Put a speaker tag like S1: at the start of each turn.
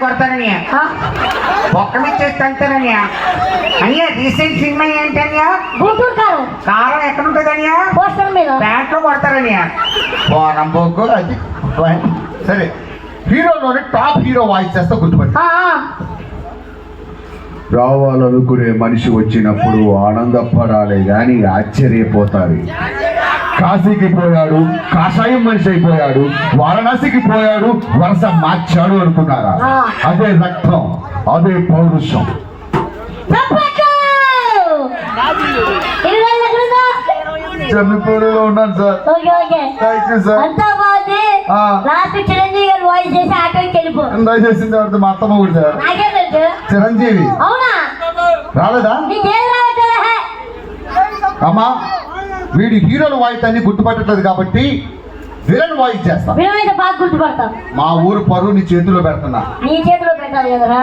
S1: కొడతానని ఒక్క మీద చేస్తే అంతేనని అయ్యా రీసెంట్ సినిమా ఏంటనియా
S2: గుంటూరు కారం
S1: కారం ఎక్కడ ఉంటుందనియా
S2: పోస్టర్ మీద
S1: ప్యాంట్లో కొడతారని
S3: పోరం బొగ్గు అది సరే హీరోలోని టాప్ హీరో వాయిస్ చేస్తే గుర్తుపట్టి రావాలనుకునే మనిషి వచ్చినప్పుడు ఆనందపడాలి కానీ ఆశ్చర్యపోతారు. కాశీకి పోయాడు కాషాయం మనిషి అయిపోయాడు, వారణాసికి పోయాడు వరుస మార్చాడు అనుకున్నారా? అదే రక్తం, అదే పౌరుషం. చెన్నపూరులో ఉన్నాను sir. Thank you sir.
S2: Chiranjeevi garu voice చేసి ఆటోకి వెళ్ళిపో
S3: చేసింది ఎవరిది? మా అత్తమ్మ కూడా సార్. చిరంజీవి రాలేదా? అమ్మా వీడి హీరోల వాయిస్ అన్ని గుర్తుపట్టట్లేదు కాబట్టి విలన్ వాయిస్ చేస్తా.
S2: బాగా గుర్తుపడతాం.
S3: మా ఊరు పరువు నీ చేతిలో పెడుతున్నా.
S2: నీ చేతిలో పెట్టాలి కదరా.